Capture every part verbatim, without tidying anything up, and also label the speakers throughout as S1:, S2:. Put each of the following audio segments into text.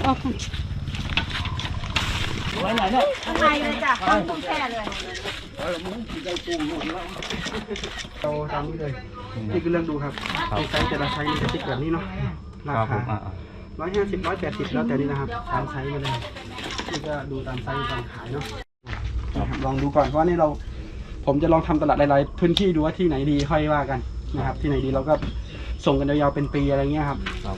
S1: ไว้ไหนเนี่ย
S2: ข้างในเลยจ้ะข้างตุ้งแช่เลย
S1: เราตามนี้เลยนี่คือเรื่องดูครับในไซส์แต่ละไซส์จะติดแบบนี้เนาะราคาร้อยห้าสิบร้อยแปดสิบแล้วแต่นี้นะครับตามไซส์มาเลยนี่ก็ดูตามไซส์การขายเนาะลองดูก่อนเพราะว่านี่เราผมจะลองทำตลาดหลายๆพื้นที่ดูว่าที่ไหนดีค่อยว่ากันนะครับที่ไหนดีเราก็ส่งกันยาวๆเป็นปีอะไรเงี้ยครับครับ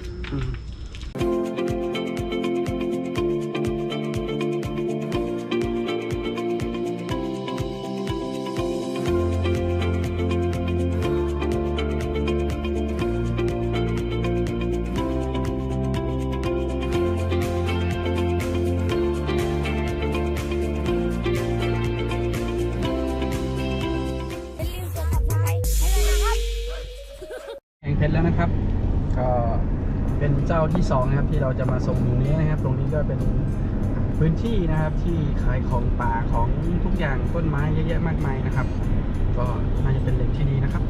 S1: เสร็จแล้วนะครับก็เป็นเจ้าที่สองนะครับที่เราจะมาส่งอยู่นี้นะครับตรงนี้ก็เป็นพื้นที่นะครับที่ขายของป่าของทุกอย่างต้นไม้เยอะแยะมากมายนะครับก็น่าจะเป็นแหล่งที่ดีนะครับ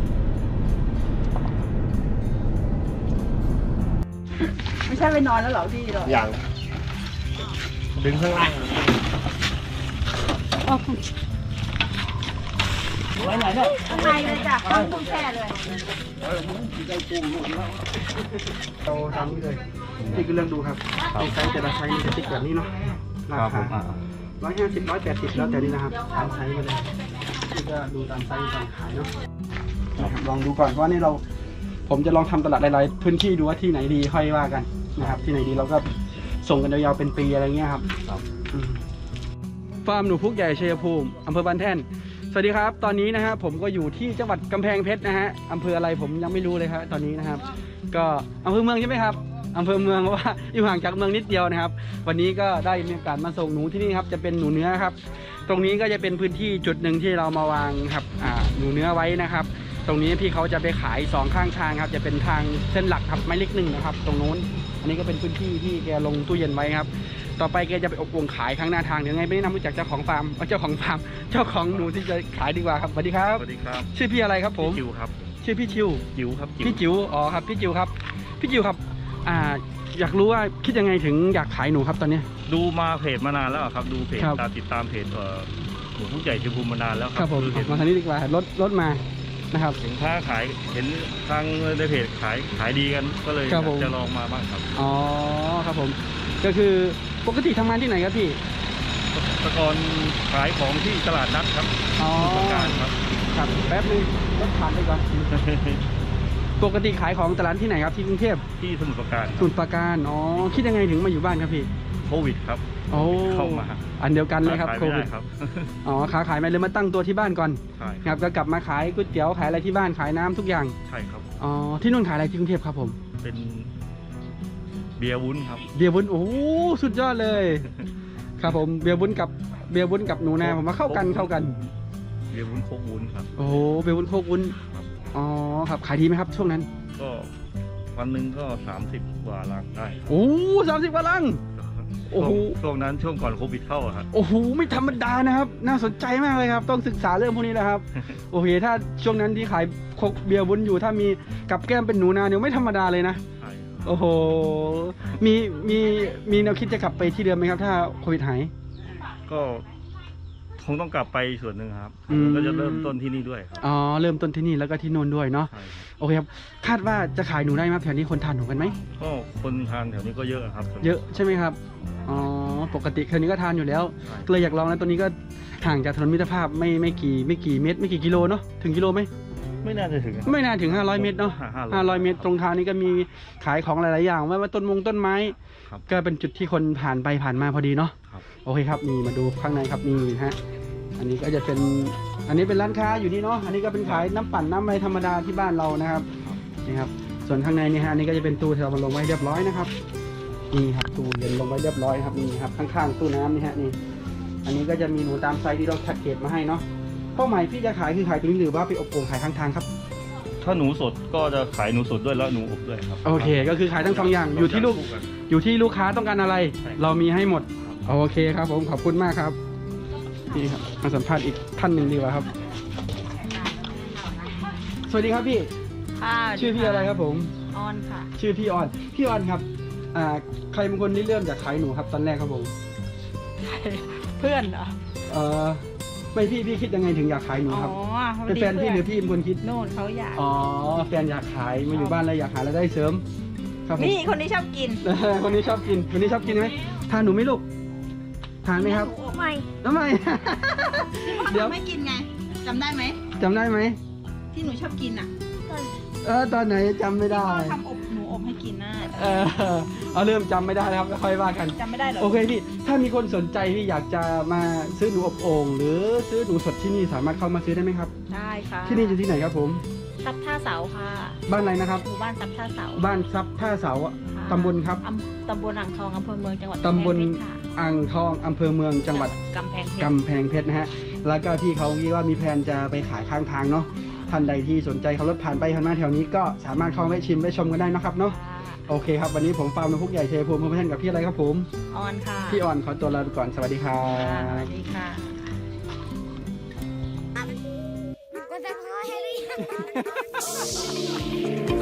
S2: ไม่ใช่ไปนอนแล้วเหรอพี่หรอ
S3: อย่างดึงข้างล่าง
S1: ไว้ไหนเนี่ย
S2: ข้างในเลยจ้ะข้างตุ้งแช่เลย
S1: เราตามนี้เลยนี่คือเรื่องดูครับในไซส์แต่ละไซส์จะติดแบบนี้เนาะราคาร้อยห้าสิบร้อยแปดสิบแล้วแต่นี้นะครับตามไซส์มาเลยนี่ก็ดูตามไซส์การขายเนาะลองดูก่อนเพราะว่านี่เราผมจะลองทำตลาดหลายๆพื้นที่ดูว่าที่ไหนดีค่อยว่ากันนะครับที่ไหนดีเราก็ส่งกันยาวๆเป็นปีอะไรเงี้ยครับฟาร์มหนูพุกใหญ่ชัยภูมิอำเภอบ้านแท่นสวัสดีครับตอนนี้นะฮะผมก็อยู่ที่จังหวัดกำแพงเพชรนะฮะอำเภออะไรผมยังไม่รู้เลยครับตอนนี้นะครับก็อำเภอเมืองใช่ไหมครับอำเภอเมืองเพราะว่าอยู่ห่างจากเมืองนิดเดียวนะครับวันนี้ก็ได้มีโอกาสมาส่งหนูที่นี่ครับจะเป็นหนูเนื้อครับตรงนี้ก็จะเป็นพื้นที่จุดหนึ่งที่เรามาวางครับอ่าหนูเนื้อไว้นะครับตรงนี้พี่เขาจะไปขายสองข้างทางครับจะเป็นทางเส้นหลักครับไม้เล็กหนึ่งนะครับตรงโน้นอันนี้ก็เป็นพื้นที่ที่แกลงตู้เย็นไว้ครับต่อไปแกจะไปอบวงขายข้างหน้าทางเดี๋ยวไงไม่แนะนำรู้จักเจ้าของฟาร์มเจ้าของฟาร์มเจ้าของหนูที่จะขายดีกว่าครับสวัสดีครับ
S3: สวัสดีครับ
S1: ชื่อพี่อะไรครับผม
S3: จิ๋วครับ
S1: ชื่อพี่จิ๋ว
S3: จิ๋วครับ
S1: พี่จิ๋วอ๋อครับพี่จิ๋วครับพี่จิ๋วครับอ่าอยากรู้ว่าคิดยังไงถึงอยากขายหนูครับตอนนี้
S3: ดูมาเพจมานานแล้วครับดูเพจตามติดตามเพจหนูพุกใหญ่ชัยภูมิมานานแล้ว
S1: ครับผมมาทางนี้ดีกว่ารถรถมานะครับ
S3: สินค้าขายเห็นทางในเพจขายขายดีกันก็เลยจะลองมาบ้างครับ
S1: อ๋อครับผมก็คือปกติทำงานที่ไหนครับพี่
S3: ตะกอนขายของที่ตลาดนัดครับ
S1: อ๋อ
S3: การครับ
S1: ครับแป๊บนึงรถผ่านไปก่อนปกติขายของตลาดที่ไหนครับที่กรุงเทพ
S3: ที่สมุทรปราการ
S1: สมุทรปราการอ๋อคิดยังไงถึงมาอยู่บ้านครับพี่
S3: โควิดครับ
S1: โอ้
S3: เข้ามา
S1: อันเดียวกันเลยครับโควิดอ๋อขาขายไม่เลยมาตั้งตัวที่บ้านก่อนครับก็กลับมาขายก๋วยเตี๋ยวขายอะไรที่บ้านขายน้ำทุกอย่าง
S3: ใช่ครับ
S1: อ๋อที่นู่นขายอะไรที่กรุงเทพครับผม
S3: เป็นเบียร์วุ้นครับ
S1: เบียร์วุ้นโอ้สุดยอดเลยครับผมเบียร์วุ้นกับเบียร์วุ้นกับหนูนาผมมาเข้ากันเข้ากัน
S3: เบียร์วุ้นโคกวุ้นครับ
S1: โอ้เบียร์วุ้นโคกวุ้นอ๋อครับขายดีไหมครับช่วงนั้น
S3: ก็วันหนึ่งก็สามสิบกว่าลังได้
S1: โอ้สามสิบกว่าลัง
S3: โอ้โหช่วงนั้นช่วงก่อนโควิดเข้าครับ
S1: โอ้โหไม่ธรรมดานะครับน่าสนใจมากเลยครับต้องศึกษาเรื่องพวกนี้แหละครับโอเคถ้าช่วงนั้นที่ขายโคกเบียร์วุ้นอยู่ถ้ามีกับแก้มเป็นหนูนาเนี่ยไม่ธรรมดาเลยนะโอ้โหมีมีมีแนวคิดจะกลับไปที่เดิมไหมครับถ้าโควิดหาย
S3: ก็คงต้องกลับไปส่วนหนึ่งครับก็จะเริ่มต้นที่นี่ด้วย
S1: อ๋อเริ่มต้นที่นี่แล้วก็ที่โน่นด้วยเนาะโอเคครับคาดว่าจะขายหนูได้ไหมแถวนี้คนทานหนูกันไหม
S3: ก็คนทานแถวนี้ก็เยอะครับ
S1: เยอะใช่ไหมครับอ๋อปกติแถวนี้ก็ทานอยู่แล้วเลยอยากลองนะตัวนี้ก็ห่างจากถนนมิตรภาพไม่ไม่กี่ไม่กี่เมตรไม่กี่กิโลเนาะถึงกิโลไหม
S3: ไม่น่าจะถึง
S1: ไม่น่าถึงห้าร้อยเมตรเนาะห้าร้อยเมตรตรงทางนี้ก็มีขายของหลายๆอย่างว่าต้นมงต้นไม้ก็เป็นจุดที่คนผ่านไปผ่านมาพอดีเนาะโอเคครับนี่มาดูข้างในครับนี่ฮะอันนี้ก็จะเป็นอันนี้เป็นร้านค้าอยู่นี่เนาะอันนี้ก็เป็นขายน้ำปั่นน้ำอะไรธรรมดาที่บ้านเรานะครับนี่ครับส่วนข้างในนี่ฮะอันนี้ก็จะเป็นตู้ที่เรามาลงไว้เรียบร้อยนะครับนี่ครับตู้เย็นลงไว้เรียบร้อยครับนี่ครับข้างๆตู้น้ำนี่ฮะนี่อันนี้ก็จะมีหนูตามไซส์ที่เราแพ็กเกจมาให้เนาะเป้าหมายพี่จะขายคือขายตรงนี้หรือว่าไปอบโอ่งขายข้างทางครับ
S3: ถ้าหนูสดก็จะขายหนูสดด้วยแล้วหนูอบด้วยครับ
S1: โอเคก็คือขายทั้งสองอย่างอยู่ที่ลูกอยู่ที่ลูกค้าต้องการอะไรเรามีให้หมดโอเคครับผมขอบคุณมากครับนี่ครับมาสัมภาษณ์อีกท่านหนึ่งดีกว่าครับสวัสดีครับพี่ชื่อพี่อะไรครับผม
S2: ออนค่ะ
S1: ชื่อพี่ออนพี่ออนครับอ่าใครเป็นคนที่เริ่มจากขายหนูครับตอนแรกครับผม
S2: เพื่อนเหรอ
S1: เออไม่พี่พี่คิดยังไงถึงอยากขายหนู
S2: อ๋อ
S1: ครับ
S2: พอ
S1: เป็น
S2: ดี
S1: แฟนพี่หรือพี่เป็นคนคิด
S2: โน่นเขาอยาก
S1: อ๋อแฟนอยากขายมาอยู่บ้านแล้วอยากหารายได้เสริมครับผม
S2: นี่คนที่ชอบกิน
S1: คนนี้ชอบกินคนนี้ชอบกินไหมทานหนูไหมลูกทานไหมครับ
S2: ไม่
S1: ทำไม เดี๋ยว
S2: ไม่กินไงจำได้ไหม
S1: จำได้ไหม
S2: ที่หนูชอบกินอ่ะ
S1: เออตอนไหนจำไม่ได้
S2: พ่อทำอบหนูอบให้กินน่ะ
S1: เออเอาเริ่มจำไม่ได้แล้วครับแล้วค่อยว่ากัน
S2: จำไม่ได้เหรอ
S1: โอเคพี่ถ้ามีคนสนใจที่อยากจะมาซื้อหนูอบโอ่งหรือซื้อหนูสดที่นี่สามารถเข้ามาซื้อได้ไหมครับ
S2: ได้ค่ะ
S1: ที่นี่อยู่ที่ไหนครับผม
S2: ซับท่าเสาค่ะ
S1: บ้านอะไรนะครับ
S2: หมู่บ้านซับท่าเสา
S1: บ้านซับท่าเสา
S2: ค่ะ
S1: ตำบลครับ
S2: อำตำบลอ่างทองอำเภอเมืองจังหวัด
S1: ตำบล
S2: กำแพงเพชรค่ะ
S1: อ่างทองอำเภอเมืองจังหวัด
S2: กำแพงเพชร
S1: กำแพงเพชรนะฮะ แล้วก็ที่เขาคิดว่ามีแผนจะไปขายข้างทางเนาะ ท่านใดที่สนใจขับรถผ่านไปผ่านมาแถวนี้ก็สามารถเข้าไปชิมไปชมกันได้นะครับเนาะ
S2: ค่ะ
S1: โอเคครับ วันนี้ผมฟาร์มนกพุกใหญ่เชยภูมิพบกันกับพี่อะไรครับผม
S2: ออนค่ะ
S1: พี่อ่อนขอตัวลาไปก่อน สวัสดีครั
S2: ค่ะสวั
S1: บ
S2: สดีค่ะ
S4: ก็จะพอให้หรือยัง